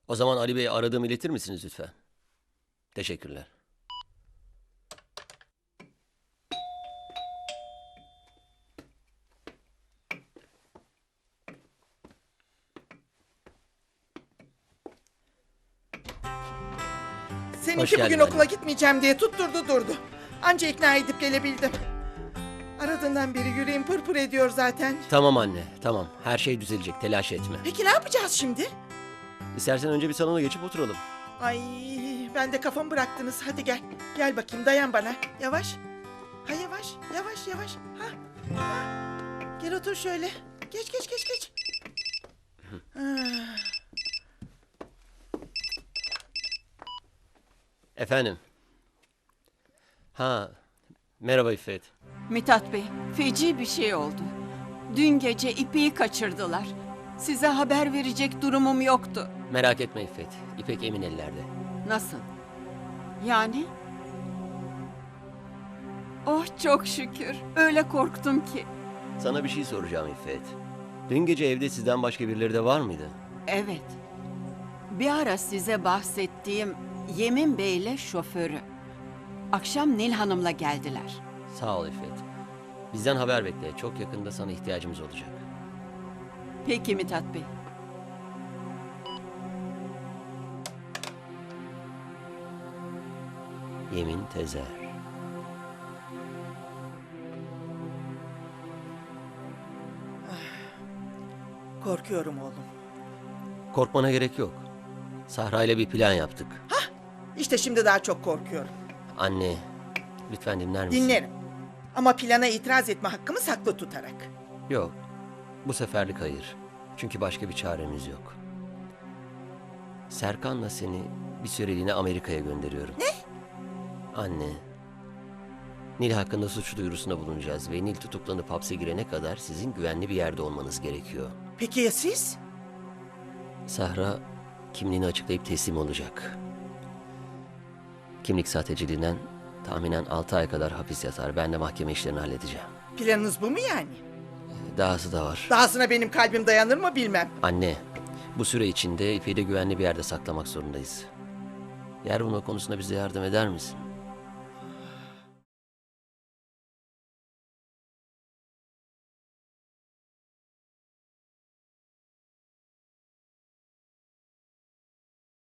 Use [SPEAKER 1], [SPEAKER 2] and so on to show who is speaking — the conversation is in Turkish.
[SPEAKER 1] O zaman Ali Bey'e aradığımı iletir misiniz lütfen? Teşekkürler.
[SPEAKER 2] Seninki
[SPEAKER 1] geldin
[SPEAKER 2] bugün
[SPEAKER 1] anne.
[SPEAKER 2] okula gitmeyeceğim diye tutturdu durdu. Anca ikna edip gelebildim. Aradığından beri yüreğim pırpır ediyor zaten.
[SPEAKER 1] Tamam anne, tamam. Her şey düzelecek, telaş etme.
[SPEAKER 2] Peki ne yapacağız şimdi?
[SPEAKER 1] İstersen önce bir salona geçip oturalım.
[SPEAKER 2] Ay, ben de kafamı bıraktınız. Hadi gel. Gel bakayım, dayan bana. Yavaş. Ha, yavaş, yavaş, yavaş. Ha, ha. Gel otur şöyle. Geç, geç, geç, geç. Ah.
[SPEAKER 1] Efendim? Ha, merhaba İffet.
[SPEAKER 3] Mithat Bey, feci bir şey oldu. Dün gece İpek'i kaçırdılar. Size haber verecek durumum yoktu.
[SPEAKER 1] Merak etme İffet. İpek emin ellerde.
[SPEAKER 3] Nasıl? Yani? Oh çok şükür. Öyle korktum ki.
[SPEAKER 1] Sana bir şey soracağım İffet. Dün gece evde sizden başka birileri de var mıydı?
[SPEAKER 3] Evet. Bir ara size bahsettiğim Yemin Bey'le şoförü. Akşam Nil Hanım'la geldiler.
[SPEAKER 1] Sağ ol İffet. Bizden haber bekle. Çok yakında sana ihtiyacımız olacak.
[SPEAKER 3] Peki Mithat Bey.
[SPEAKER 1] Yemin Tezer.
[SPEAKER 2] Korkuyorum oğlum.
[SPEAKER 1] Korkmana gerek yok. Sahra ile bir plan yaptık.
[SPEAKER 2] İşte şimdi daha çok korkuyorum.
[SPEAKER 1] Anne, lütfen dinler misin?
[SPEAKER 2] Dinlerim. Ama plana itiraz etme hakkımı saklı tutarak.
[SPEAKER 1] Yok. Bu seferlik hayır. Çünkü başka bir çaremiz yok. Serkan'la seni bir süreliğine Amerika'ya gönderiyorum. Ne? Anne. Nil hakkında suç duyurusunda bulunacağız ve Nil tutuklanıp hapse girene kadar sizin güvenli bir yerde olmanız gerekiyor.
[SPEAKER 2] Peki ya siz?
[SPEAKER 1] Sahra kimliğini açıklayıp teslim olacak. Kimlik sahteciliğinden tahminen 6 ay kadar hapis yatar. Ben de mahkeme işlerini halledeceğim.
[SPEAKER 2] Planınız bu mu yani?
[SPEAKER 1] Dahası da var.
[SPEAKER 2] Dahasına benim kalbim dayanır mı bilmem.
[SPEAKER 1] Anne, bu süre içinde İpek'i de güvenli bir yerde saklamak zorundayız. Yer bulma konusunda bize yardım eder misin?